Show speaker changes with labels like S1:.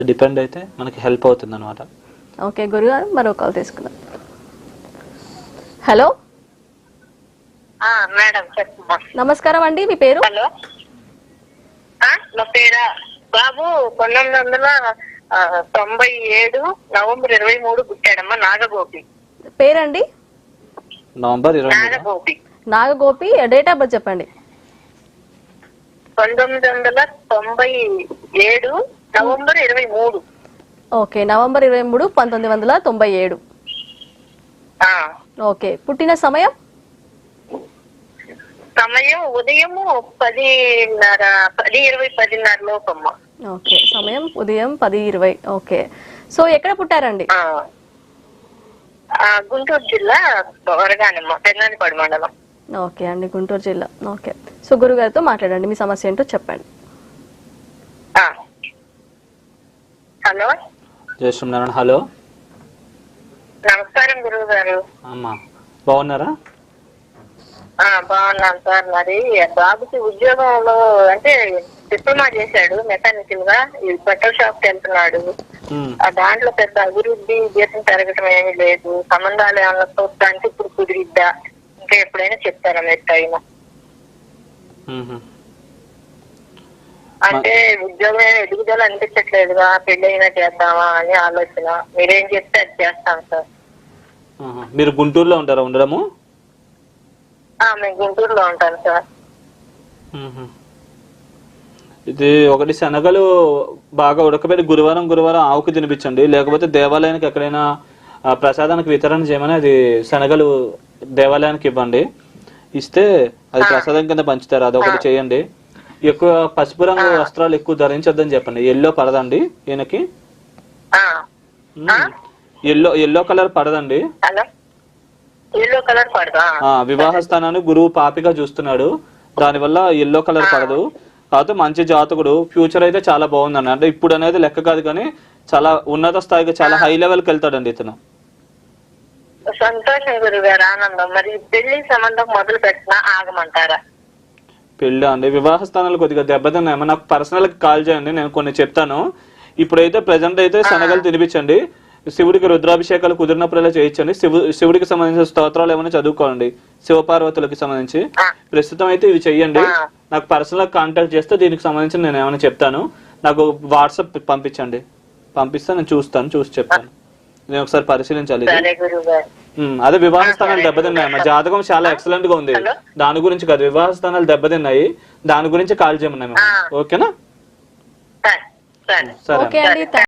S1: Depend అయితే మనకి help అవుతుంది అనమాట.
S2: ఓకే గురుగారు, మరో కాల్ తీసుకుందాం. హలో
S3: మేడం చెప్పమ్మా.
S2: నమస్కారం అండి, మీ పేరు?
S3: హలో, నా పేరా బాబు 1997 నవంబర్ 23 పుట్టాడమ్మా. నాగగోపి
S2: పేరండి?
S1: November 23.
S3: Nagagopi
S2: Nagagopi. Date of birth చెప్పండి.
S3: 1997 నవంబర్ 23.
S2: Okay, November 23, 1997. ఓకే, పుట్టిన సమయం?
S3: సమయం ఉదయం 10:20 లోపమ్మా.
S2: ఓకే, సమయం ఉదయం 10:20. ఓకే, సో ఎక్కడ పుట్టారండి?
S3: గుంటూరు జిల్లా వరగానమ్మ, పెన్నానిపాడు మండలం.
S2: ఓకే అండి, గుంటూరు జిల్లా. ఓకే, సో గురుగారితో మాట్లాడండి, మీ సమస్య ఏంటో చెప్పండి.
S3: హలో
S1: జయశ్రీనారాయణ. హలో,
S3: నమస్కారం గురువు గారు.
S1: అమ్మా బాగున్నారా?
S3: బాగున్నాను సార్. మరి బాబుకి ఉద్యోగంలో అంటే డిప్లొమా చేశాడు మెకానికల్ గా, ఈ బట్టల షాప్ కి వెళ్తున్నాడు. దాంట్లో పెద్ద అభివృద్ధి జీతం పెరగటం ఏమీ లేదు. సంబంధాలు ఏమన్నా చూడటానికి ఇప్పుడు కుదిరిద్దా, ఇంకా ఎప్పుడైనా చెప్తారా మీరు టైం? అంటే ఉద్యోగం ఎదుగుదల అనిపించట్లేదుగా, పెళ్లి అయినా చేద్దామా అని ఆలోచన. మీరేం చెప్తే అది చేస్తాం సార్.
S1: మీరు గుంటూరులో ఉంటారా ఉండడము?
S3: మేము గుంటూరులో ఉంటాను సార్.
S1: ఇది ఒకటి, శనగలు బాగా ఉడకబెట్టి గురువారం ఆవుకు తినిపించండి. లేకపోతే దేవాలయానికి ఎక్కడైనా ప్రసాదానికి వితరణ చేయమని అది శనగలు దేవాలయానికి ఇవ్వండి. ఇస్తే అది ప్రసాదం కింద పంచుతారు. అదొకటి చేయండి. ఎక్కువ పసుపు రంగు వస్త్రాలు ఎక్కువ ధరించొద్దని చెప్పండి. ఎల్లో పడదండి ఈయనకి. ఎల్లో కలర్ పడదండి. వివాహ స్థానాన్ని గురువు పాపిగా చూస్తున్నాడు, దానివల్ల ఎల్లో కలర్ పడదు. కాకపోతే మంచి జాతకుడు, ఫ్యూచర్ అయితే చాలా బాగుందండి. అంటే ఇప్పుడు అనేది లెక్క కాదు కానీ చాలా ఉన్నత స్థాయికి, చాలా హై లెవెల్కి వెళ్తాడండి ఇతను.
S3: సంతోషం గురుగారు, ఆనందం. మరి పెళ్లి సంబంధం మొదలు పెట్టినా ఆగమంటారా?
S1: పెళ్ళి అండి, వివాహ స్థానాలు కొద్దిగా దెబ్బతిన్నాయేమో. నాకు పర్సనల్ గా కాల్ చేయండి, నేను కొన్ని చెప్తాను. ఇప్పుడైతే ప్రెసెంట్ అయితే శనగలు తినిపించండి. శివుడికి రుద్రాభిషేకాలు కుదిరినప్పుడల్లా చేయించండి. శివుడికి సంబంధించిన స్తోత్రాలు ఏమైనా చదువుకోండి, శివపార్వతులకి సంబంధించి. ప్రస్తుతం అయితే ఇవి చెయ్యండి. నాకు పర్సనల్ గా కాంటాక్ట్ చేస్తే దీనికి సంబంధించి నేను ఏమైనా చెప్తాను. నాకు వాట్సాప్ పంపించండి, పంపిస్తే నేను చూసి చెప్తాను. నేను ఒకసారి పరిశీలించాలి. అదే వివాహ స్థానాలు దెబ్బతిన్నాయి. మా జాతకం చాలా ఎక్సలెంట్ గా ఉంది, దాని గురించి కాదు. వివాహ స్థానాలు దెబ్బతిన్నాయి, దాని గురించి కాల్ చేయమన్నాయి. ఓకేనా?
S2: సరే.